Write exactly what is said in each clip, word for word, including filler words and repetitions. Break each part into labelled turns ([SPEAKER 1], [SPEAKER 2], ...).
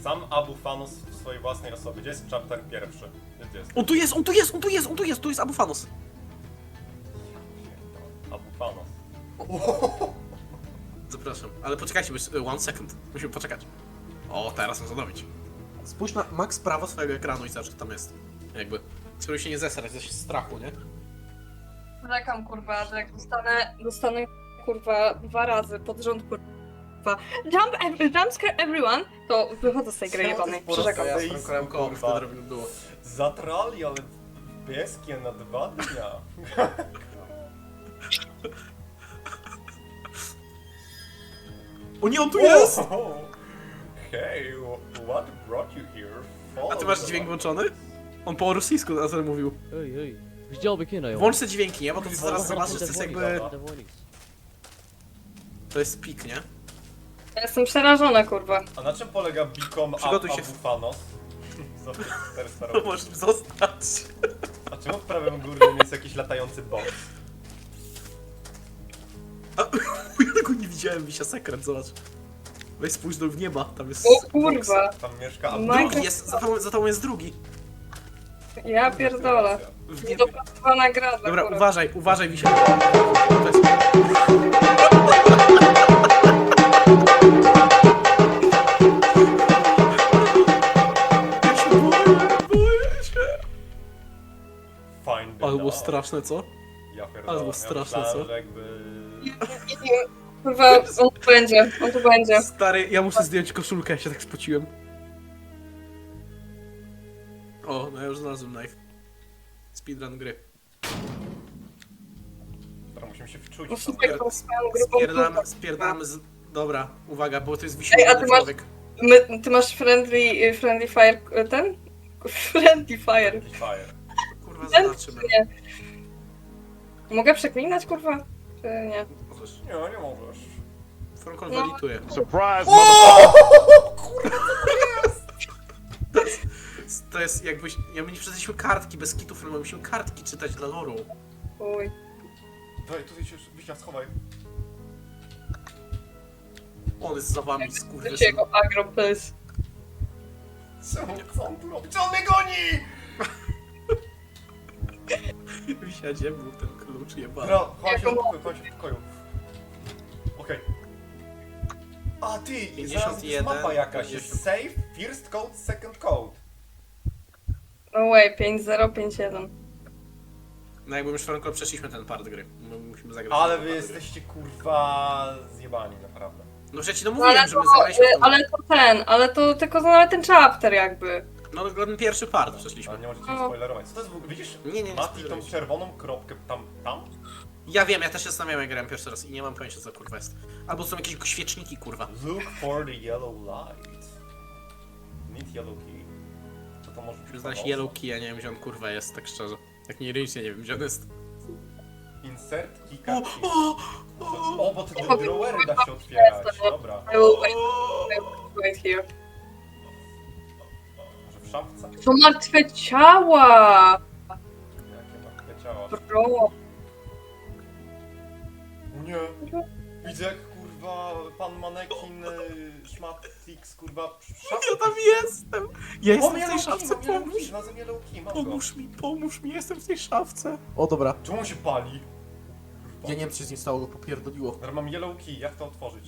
[SPEAKER 1] Sam Abu Fanos w swojej własnej osobie. Gdzie jest chapter pierwszy? Gdzie jest?
[SPEAKER 2] On tu jest, on tu jest, on tu jest, on tu jest, tu jest Abu Fanos.
[SPEAKER 1] Abu Fanos.
[SPEAKER 2] Zapraszam, ale poczekajcie, bo jest y, one second. Musimy poczekać. O, teraz można zrobić. Spójrz na max prawo swojego ekranu i zobacz, co tam jest. Jakby. Spróbuj się nie zesrać ze strachu, nie?
[SPEAKER 3] Czekam, kurwa, że jak dostanę, dostanę, kurwa, dwa razy pod rząd, kurwa, jump, ev jump scare everyone, to wychodzę z tej gry jebanej, przyrzekam.
[SPEAKER 2] Ja
[SPEAKER 1] Ej,
[SPEAKER 2] z Frankiem koło,
[SPEAKER 1] kurwa.
[SPEAKER 2] wtedy robimy było.
[SPEAKER 1] Zatrali, ale pieskie na dwa dnia.
[SPEAKER 2] O nie, on tu jest!
[SPEAKER 1] Oh, hey, what brought you here? Follow
[SPEAKER 2] A ty masz
[SPEAKER 1] the
[SPEAKER 2] dźwięk
[SPEAKER 1] light.
[SPEAKER 2] włączony? On po rosyjsku na to mówił.
[SPEAKER 4] Ej, ej. Widziałby kino, jo.
[SPEAKER 2] Włącz te dźwięki, nie? Bo to
[SPEAKER 1] Kurwa,
[SPEAKER 2] zaraz
[SPEAKER 1] kurwa,
[SPEAKER 2] zobaczysz, to jest jakby...
[SPEAKER 4] The warnings.
[SPEAKER 2] To jest pik, nie?
[SPEAKER 3] Ja jestem przerażona, kurwa.
[SPEAKER 1] A na czym polega Become
[SPEAKER 2] Przygotuj
[SPEAKER 1] Abu
[SPEAKER 2] się.
[SPEAKER 1] Fanos? Za czterysta
[SPEAKER 2] To
[SPEAKER 1] roków.
[SPEAKER 2] możesz zostać.
[SPEAKER 1] A czemu w prawym górnym jest jakiś latający box?
[SPEAKER 2] A, ja tego nie widziałem, wisia sekret, zobacz. Weź spójrz do w nieba, tam jest...
[SPEAKER 3] O kurwa,
[SPEAKER 1] Tam mieszka Abu
[SPEAKER 3] Minecraft-
[SPEAKER 2] Drugi jest, za tobą, za tobą jest drugi.
[SPEAKER 3] ja pierdolę.
[SPEAKER 2] W niebie.
[SPEAKER 3] Niedopracowana gra dla
[SPEAKER 2] Dobra,
[SPEAKER 3] kurwa.
[SPEAKER 2] uważaj, uważaj, wisia. To jest... Ja się boję, boję się.
[SPEAKER 1] Find the
[SPEAKER 2] Ale było
[SPEAKER 1] dog.
[SPEAKER 2] straszne, co?
[SPEAKER 1] Ja pierdolę.
[SPEAKER 2] ale było
[SPEAKER 1] ja
[SPEAKER 2] straszne,
[SPEAKER 1] myślałem,
[SPEAKER 2] co?
[SPEAKER 1] że jakby...
[SPEAKER 3] Kurwa, on tu będzie, on tu będzie.
[SPEAKER 2] Stary, ja muszę zdjąć koszulkę, ja się tak spociłem. O, no ja już znalazłem knife. Speedrun gry.
[SPEAKER 1] Dobra, musimy się wczuć.
[SPEAKER 3] No
[SPEAKER 1] w to.
[SPEAKER 3] super, tą swoją grubą
[SPEAKER 2] Spierdamy,
[SPEAKER 3] dupę.
[SPEAKER 2] spierdamy z... Dobra, uwaga, bo to jest
[SPEAKER 3] Ej, a ty
[SPEAKER 2] wisielny
[SPEAKER 3] masz-
[SPEAKER 2] człowiek.
[SPEAKER 3] My, ty masz friendly, friendly fire, ten? Friendly fire.
[SPEAKER 1] Jakiś fire.
[SPEAKER 2] Kurwa,
[SPEAKER 3] Ten
[SPEAKER 2] zobaczymy.
[SPEAKER 3] czy nie? Mogę przeklinać, kurwa? Czy nie?
[SPEAKER 2] Możesz.
[SPEAKER 1] Nie, nie możesz.
[SPEAKER 2] Fronkol
[SPEAKER 3] No.
[SPEAKER 2] walituje.
[SPEAKER 5] Surprise,
[SPEAKER 2] To jest jakbyś... Ja my nie przeczytaliśmy kartki bez kitów, ale musimy kartki czytać dla loru.
[SPEAKER 3] Uj.
[SPEAKER 1] Daj, tutaj się Wisia, schowaj.
[SPEAKER 2] On jest za wami,
[SPEAKER 3] Wiecie
[SPEAKER 2] skurwysyn.
[SPEAKER 3] jego agro, please.
[SPEAKER 1] Czemu? Co on tu robi? Czy on mnie goni?
[SPEAKER 2] Wisia, gdzie był ten klucz jebany?
[SPEAKER 1] Dobra, chodź się w pokoju, chodź się w pokoju. Okej. A ty, i
[SPEAKER 2] pięćdziesiąt
[SPEAKER 1] zaraz jest
[SPEAKER 2] jeden,
[SPEAKER 1] mapa jakaś.
[SPEAKER 2] pięćdziesiąt.
[SPEAKER 1] Jest save, first code, second code.
[SPEAKER 3] No way, pięć zero pięć jeden.
[SPEAKER 2] No jakby już Fronkol przeszliśmy ten part gry. My musimy zagrać.
[SPEAKER 1] Ale
[SPEAKER 2] ten
[SPEAKER 1] wy
[SPEAKER 2] part gry.
[SPEAKER 1] jesteście kurwa zjebani, naprawdę.
[SPEAKER 2] No przecież no
[SPEAKER 3] No,
[SPEAKER 2] mówiłem,
[SPEAKER 3] ale,
[SPEAKER 2] że
[SPEAKER 3] to,
[SPEAKER 2] my zagraliśmy w
[SPEAKER 3] y,
[SPEAKER 2] tą...
[SPEAKER 3] ale to ten, ale to tylko na ten chapter jakby.
[SPEAKER 2] No ten pierwszy part przeszliśmy.
[SPEAKER 1] Ale nie możecie mi
[SPEAKER 3] O.
[SPEAKER 1] spoilerować. Co to jest w ogóle? Widzisz?
[SPEAKER 2] Nie, nie, nie
[SPEAKER 1] Mati tą
[SPEAKER 2] spoilerujcie.
[SPEAKER 1] czerwoną kropkę tam, tam?
[SPEAKER 2] Ja wiem, ja też się zastanawiałem, jak grałem pierwszy raz i nie mam pojęcia, co kurwa jest. Albo są jakieś świeczniki, kurwa.
[SPEAKER 1] Look for the yellow light. Need yellow key. Co to może być?
[SPEAKER 2] Musimy znaleźć
[SPEAKER 1] pomoc?
[SPEAKER 2] yellow key, ja nie wiem, gdzie on kurwa jest, tak szczerze. Jak nie irycznie, nie wiem, gdzie on jest.
[SPEAKER 1] Insert key
[SPEAKER 2] O,
[SPEAKER 1] card.
[SPEAKER 2] o,
[SPEAKER 1] O, bo te
[SPEAKER 3] powiem-
[SPEAKER 1] drawery da się otwierać. Dobra.
[SPEAKER 3] I will wait, I will wait here.
[SPEAKER 1] Może w szafce?
[SPEAKER 3] To martwe ciała!
[SPEAKER 1] Jakie martwe ciała?
[SPEAKER 3] Bro.
[SPEAKER 1] O nie. Widzę jak kurwa pan manekin y, Szmatix kurwa w szafce.
[SPEAKER 2] ja tam jestem! Ja jestem w tej szafce, pomóż!
[SPEAKER 1] Znalazłem yellow key, mam go.
[SPEAKER 2] Pomóż mi, pomóż mi, jestem w tej szafce. O, dobra.
[SPEAKER 1] Czemu on się pali?
[SPEAKER 2] Ja nie wiem, co się z nim stało, go popierdoliło.
[SPEAKER 1] Dobra, mam yellow key, jak to otworzyć?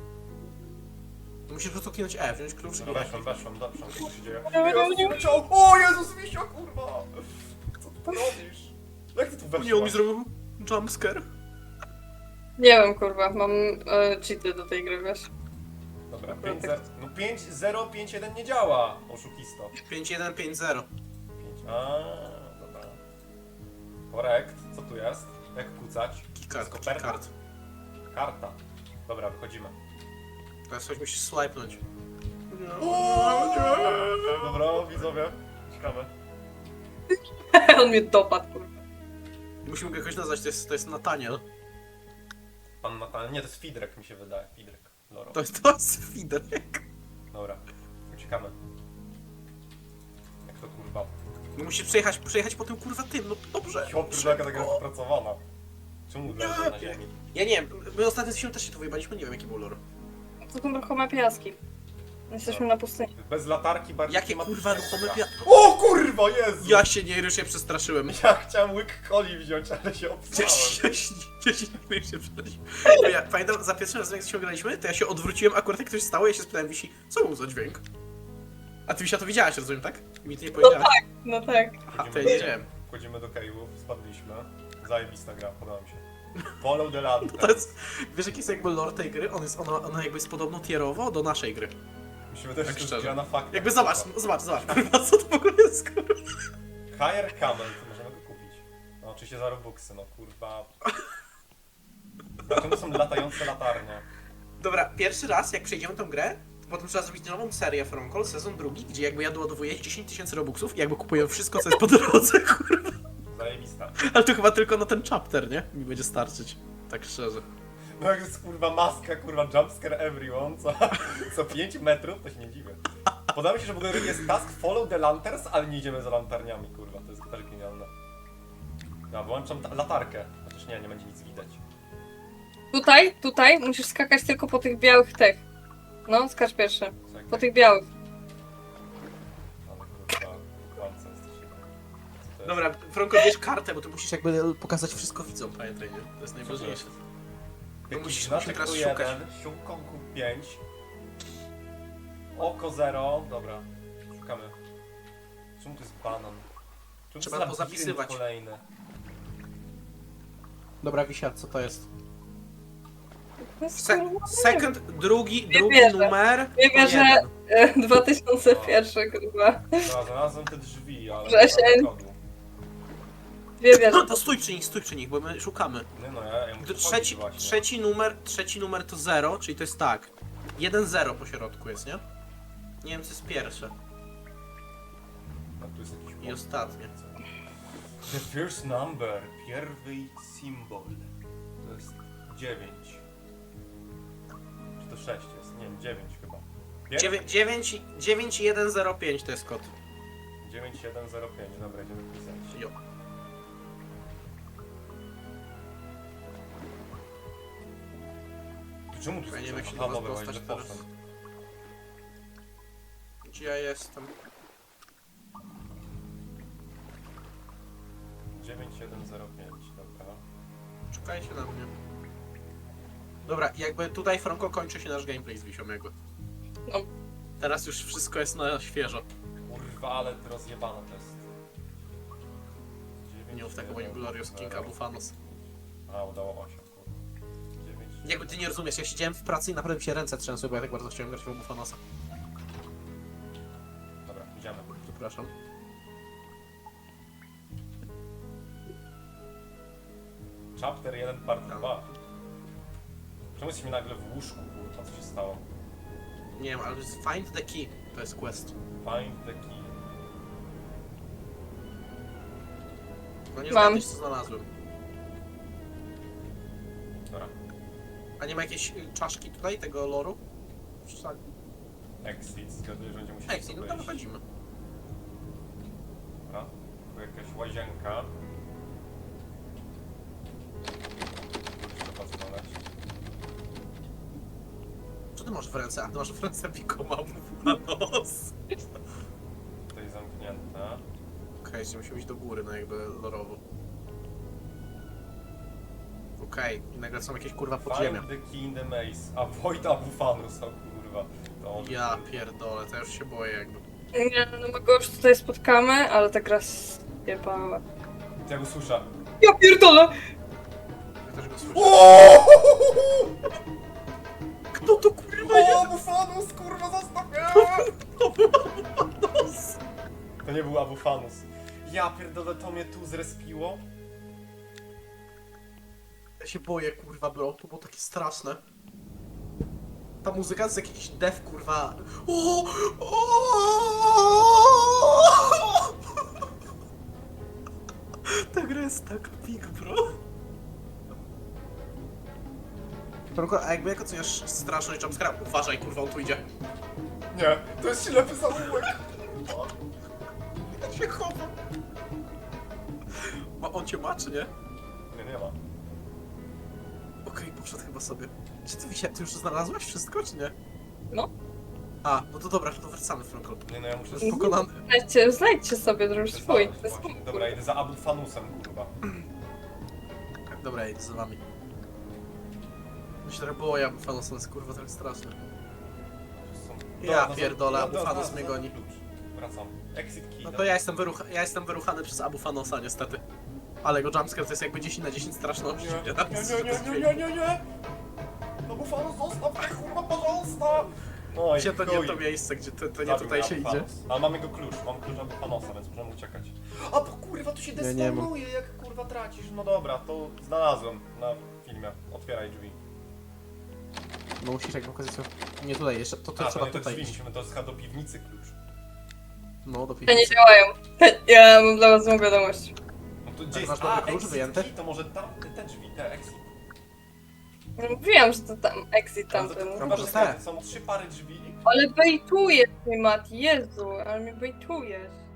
[SPEAKER 2] To musisz po prostu kliknąć E, wziąć klucz i
[SPEAKER 1] Dobra,
[SPEAKER 2] nie
[SPEAKER 1] weszłem, weszłem, dobrze, co się dzieje?
[SPEAKER 3] Nie, nie, nie.
[SPEAKER 1] Jezus, o Jezus, Misio, kurwa! Co ty tu robisz? Jak ty tu weszłaś?
[SPEAKER 2] Nie, on mi zrobił jumpscare.
[SPEAKER 3] Nie wiem, kurwa, mam e, cheaty do tej gry, wiesz?
[SPEAKER 1] Dobra, pięć zero, no pięć zero pięć jeden nie działa, oszukisto.
[SPEAKER 2] pięć jeden pięć zero.
[SPEAKER 1] pięć, a, dobra. Korekt, co tu jest? Jak kucać?
[SPEAKER 2] Keycard,
[SPEAKER 1] To jest koperta?
[SPEAKER 2] keycard.
[SPEAKER 1] Karta. Dobra, wychodzimy.
[SPEAKER 2] Teraz coś musisz swipenąć.
[SPEAKER 1] Dobra, widzowie, ciekawe.
[SPEAKER 3] On mnie dopadł, kurwa.
[SPEAKER 2] Musimy go jakoś nazwać, to jest, to jest Nathaniel.
[SPEAKER 1] Pan Natal, nie, to jest Fidrek mi się wydaje, Fidrek, Loro.
[SPEAKER 2] To jest, to jest Fiderek.
[SPEAKER 1] Dobra, uciekamy. Jak to kurwa?
[SPEAKER 2] No musisz przejechać, przejechać po tym kurwa tym, no dobrze.
[SPEAKER 1] Piotr, jaka taka jest wypracowana. Czemu leży na ziemi?
[SPEAKER 2] Ja nie wiem, my ostatnio z też się tu wyjebaliśmy, nie wiem jaki był lore.
[SPEAKER 3] To są ruchome piaski. Jesteśmy na pustyni.
[SPEAKER 1] Bez latarki bardziej
[SPEAKER 2] Jakie
[SPEAKER 1] klimatycznie
[SPEAKER 2] kurwa ruchome
[SPEAKER 1] gra.
[SPEAKER 2] wiatr...
[SPEAKER 1] O kurwa, Jezu!
[SPEAKER 2] Ja się nie już się przestraszyłem.
[SPEAKER 1] Ja chciałem łyk coli wziąć, ale się
[SPEAKER 2] Ja
[SPEAKER 1] obstałem.
[SPEAKER 2] się, ja się, ja się nie się przestraszyłem. Bo ja pamiętam, za pierwszym razem jak się graliśmy, to ja się odwróciłem, akurat jak ktoś stało, ja się spytałem Wisi, co był za dźwięk? A ty Wisia to widziałaś, rozumiem, tak? I mi ty nie powiedziałaś.
[SPEAKER 3] No tak.
[SPEAKER 2] Aha, to ja nie wiem.
[SPEAKER 1] Wchodzimy do cave'ów, spadliśmy. Zajebista gra, podoba mi się. Follow the lantern.
[SPEAKER 2] To jest, wiesz jaki jest jakby lore tej gry? On jest, ona, ona jakby jest podobno tierowo do naszej gry.
[SPEAKER 1] Musimy też
[SPEAKER 2] Tak
[SPEAKER 1] tak
[SPEAKER 2] szczerze.
[SPEAKER 1] gra na faktach.
[SPEAKER 2] Jakby zobacz, no, zobacz, zobacz, kurwa, co to w ogóle jest, kurwa?
[SPEAKER 1] Hire Camel, to możemy go kupić. No oczywiście za Robuxy, no kurwa. Dlaczego są latające latarnie?
[SPEAKER 2] Dobra, pierwszy raz jak przejdziemy tą grę, to potem trzeba zrobić nową serię From Call, sezon drugi, gdzie jakby ja doładowuję dziesięć tysięcy robuxów i jakby kupuję wszystko, co jest po drodze, kurwa.
[SPEAKER 1] Zajebista.
[SPEAKER 2] Ale to chyba tylko na ten chapter, nie? Mi będzie starczyć. Tak szczerze.
[SPEAKER 1] No jak jest kurwa maska, kurwa jumpscare everyone, co, co pięć metrów, to się nie dziwię. Podoba mi się, że w ogóle jest task follow the lanterns, ale nie idziemy za lantarniami, kurwa, to jest też genialne. Ja wyłączam ta- latarkę, chociaż nie, nie będzie nic widać.
[SPEAKER 3] Tutaj, tutaj musisz skakać tylko po tych białych tych. No, skacz pierwszy.
[SPEAKER 1] Czekaj.
[SPEAKER 3] Po tych białych.
[SPEAKER 1] Ale kurwa, kłamca jesteście. Co to jest?
[SPEAKER 2] Dobra, Franko, bierz kartę, bo tu musisz jakby pokazać wszystko widzom, pamiętaj, nie? To jest najważniejsze.
[SPEAKER 1] Jakiś
[SPEAKER 2] musisz-
[SPEAKER 1] znaczek
[SPEAKER 2] musisz teraz
[SPEAKER 1] tu
[SPEAKER 2] szukać.
[SPEAKER 1] jeden, siłkonku pięć. Oko zero, dobra, szukamy. Czemu to jest banan? Czemu
[SPEAKER 2] Trzeba
[SPEAKER 1] to jest
[SPEAKER 2] pozapisywać.
[SPEAKER 1] labirynt kolejny?
[SPEAKER 2] Dobra, Wisia, co to jest?
[SPEAKER 3] To jest
[SPEAKER 2] Se
[SPEAKER 3] kurwa,
[SPEAKER 2] second, drugi,
[SPEAKER 3] Nie
[SPEAKER 2] drugi
[SPEAKER 3] wierzę.
[SPEAKER 2] numer.
[SPEAKER 3] Nie
[SPEAKER 2] to
[SPEAKER 3] wierzę.
[SPEAKER 2] jeden.
[SPEAKER 3] e, dwa tysiące jeden, kurwa.
[SPEAKER 1] Dobra, znalazłem te drzwi, ale
[SPEAKER 3] Wrzesień.
[SPEAKER 1] nie ma kodu.
[SPEAKER 3] Dwie wieże.
[SPEAKER 2] No to stój przy nich, stój przy nich, bo my szukamy.
[SPEAKER 1] Nie no, ja, ja muszę
[SPEAKER 2] Trzeci,
[SPEAKER 1] chodzić właśnie.
[SPEAKER 2] trzeci numer, trzeci numer to zero, czyli to jest tak. jeden zero po środku jest, nie? Nie wiem, co jest pierwsze.
[SPEAKER 1] No, tu jest jakiś
[SPEAKER 2] I
[SPEAKER 1] błąd.
[SPEAKER 2] ostatnie.
[SPEAKER 1] The first number, pierwszy symbol. To jest dziewięć. Czy to sześć jest? Nie wiem, dziewięć chyba.
[SPEAKER 2] dziewięć, dziewięć jeden zero pięć to jest kod.
[SPEAKER 1] dziewięć jeden zero pięć, dobra, idziemy pisać.
[SPEAKER 2] Jo.
[SPEAKER 1] Czemu tu
[SPEAKER 2] Ja nie wiem, jak się
[SPEAKER 1] Aha,
[SPEAKER 2] do was
[SPEAKER 1] dobra,
[SPEAKER 2] dostać
[SPEAKER 1] idę
[SPEAKER 2] teraz.
[SPEAKER 1] poszedł.
[SPEAKER 2] Gdzie ja jestem?
[SPEAKER 1] dziewięć jeden zero pięć, dobra.
[SPEAKER 2] Czekajcie na mnie. Dobra, jakby tutaj, Franko, kończy się nasz gameplay z Wisią jakby.
[SPEAKER 3] No.
[SPEAKER 2] Teraz już wszystko jest na świeżo.
[SPEAKER 1] Kurwa, ale rozjebane to jest. dziewięć,
[SPEAKER 2] Nie mów tego, bo nie
[SPEAKER 1] jeden,
[SPEAKER 2] Glorious King
[SPEAKER 1] zero.
[SPEAKER 2] Abufanos.
[SPEAKER 1] A, udało osiem, kurwa. dziewięć,
[SPEAKER 2] Jakby ty nie rozumiesz, ja siedziałem w pracy i naprawdę mi się ręce trzęsły, bo ja tak bardzo chciałem grać w Abufanosa.
[SPEAKER 1] Dobra, idziemy.
[SPEAKER 2] Przepraszam.
[SPEAKER 1] Chapter jeden, part dwa. Czemu jesteśmy nagle w łóżku, kurwa, co się stało?
[SPEAKER 2] Nie wiem, ale to jest Find the Key. To jest quest.
[SPEAKER 1] Find the key.
[SPEAKER 2] No nie
[SPEAKER 3] Mam.
[SPEAKER 2] zgadniesz, co znalazłem.
[SPEAKER 1] Dobra.
[SPEAKER 2] A nie ma jakiejś y, czaszki tutaj, tego loru? W szali.
[SPEAKER 1] Exit, zgaduję, że będziemy musieli
[SPEAKER 2] Exit, no to
[SPEAKER 1] wyjść.
[SPEAKER 2] wychodzimy.
[SPEAKER 1] Dobra. Tu jakaś łazienka. Trzeba znaleźć.
[SPEAKER 2] Co ty masz w ręce? A ty masz w ręce Picoma Abufanos.
[SPEAKER 1] Tutaj zamknięte.
[SPEAKER 2] Okej, okay, musimy iść do góry, no jakby lorowo. Okej, okay. I nagle są jakieś kurwa podziemia.
[SPEAKER 1] Find the key in the maze. Avoid Abufanus, o kurwa. To on
[SPEAKER 2] Ja pierdolę, to ja już się boję jakby.
[SPEAKER 3] Nie, no my go już tutaj spotkamy, ale ta gra zjebała.
[SPEAKER 1] Ja go słyszę.
[SPEAKER 3] Ja pierdolę!
[SPEAKER 2] Ja też go słyszę.
[SPEAKER 1] O!
[SPEAKER 2] Kto to kurwa
[SPEAKER 1] O,
[SPEAKER 2] jest?
[SPEAKER 1] Abufanus, kurwa, zostaw mnie!
[SPEAKER 2] Abufanos!
[SPEAKER 1] To nie był Abufanus. Ja pierdolę, to mnie tu zrespiło.
[SPEAKER 2] Ja się boję kurwa, bro, to było takie straszne. Ta muzyka to jest jakiś dev kurwa. O! O! Ta gra jest tak pik, bro. Franko, a jakby jak oceniasz straszność jumpscare'a? Uważaj, kurwa, on tu idzie.
[SPEAKER 1] Nie, to jest ślepy zaułek.
[SPEAKER 2] Ja się chowam. Ma on cię ma, czy nie?
[SPEAKER 1] Nie, nie ma.
[SPEAKER 2] Okej, poszedł chyba sobie. Czy ty, Wisia, ty już znalazłaś wszystko, czy nie?
[SPEAKER 3] No.
[SPEAKER 2] A, no to dobra, to wracamy, Franko.
[SPEAKER 1] Nie no, ja muszę...
[SPEAKER 2] To jest pokonany.
[SPEAKER 3] Znajdźcie, znajdźcie sobie drugi swój. To jest
[SPEAKER 1] Właśnie. Dobra, idę za Abu Fanusem, kurwa.
[SPEAKER 2] Dobra, idę za wami. Mi się trochę było, ja Fanosem jest kurwa tak straszny.
[SPEAKER 1] Są-
[SPEAKER 2] Ja
[SPEAKER 1] Dobra, no,
[SPEAKER 2] pierdolę,
[SPEAKER 1] no,
[SPEAKER 2] Abu
[SPEAKER 1] dobra,
[SPEAKER 2] Fanus
[SPEAKER 1] no,
[SPEAKER 2] mnie
[SPEAKER 1] no,
[SPEAKER 2] goni.
[SPEAKER 1] klucz. Wracam. Exit key.
[SPEAKER 2] No
[SPEAKER 1] tak?
[SPEAKER 2] to ja jestem, wyrucha ja jestem wyruchany przez Abu Fanosa niestety. Ale go jumpscare to jest jakby dziesięć na dziesięć straszności.
[SPEAKER 1] Nie, nie, nie, nie, nie, nie, nie, nie! Abu Fanus, zostaw mnie, kurwa, porząsta! No i
[SPEAKER 2] Gdzie to nie
[SPEAKER 1] chuj.
[SPEAKER 2] to miejsce, gdzie to, to nie
[SPEAKER 1] Zabił
[SPEAKER 2] tutaj
[SPEAKER 1] mnie
[SPEAKER 2] się
[SPEAKER 1] Abu
[SPEAKER 2] idzie.
[SPEAKER 1] Fanus. Ale mamy go klucz, mam klucz Abu Fanosa, więc możemy uciekać. A bo kurwa, tu się
[SPEAKER 2] Ja nie mam.
[SPEAKER 1] destonuje, jak kurwa tracisz. No dobra, to znalazłem na filmie. Otwieraj drzwi.
[SPEAKER 2] No musisz jakby okazać nie tutaj, jeszcze to, to
[SPEAKER 1] A,
[SPEAKER 2] trzeba
[SPEAKER 1] to nie te
[SPEAKER 2] tutaj
[SPEAKER 1] drzwi,
[SPEAKER 2] iść.
[SPEAKER 1] musimy, to jest chyba do piwnicy klucz.
[SPEAKER 2] No do
[SPEAKER 3] Te nie
[SPEAKER 2] piwnicy.
[SPEAKER 3] działają. Ja mam dla was złą wiadomość.
[SPEAKER 1] No to gdzie
[SPEAKER 2] Tak,
[SPEAKER 1] jest?
[SPEAKER 2] masz dobry
[SPEAKER 1] A,
[SPEAKER 2] klucz
[SPEAKER 1] exit
[SPEAKER 2] wyjęty?
[SPEAKER 1] key, to może tam, te drzwi, te exit.
[SPEAKER 3] No, mówiłam, że to tam exit
[SPEAKER 1] Ale to,
[SPEAKER 3] tamten.
[SPEAKER 1] kurwa,
[SPEAKER 2] może
[SPEAKER 1] że
[SPEAKER 2] te.
[SPEAKER 1] są trzy pary drzwi.
[SPEAKER 3] Ale bejtujesz mnie, Mati, Jezu, ale mnie bejtujesz.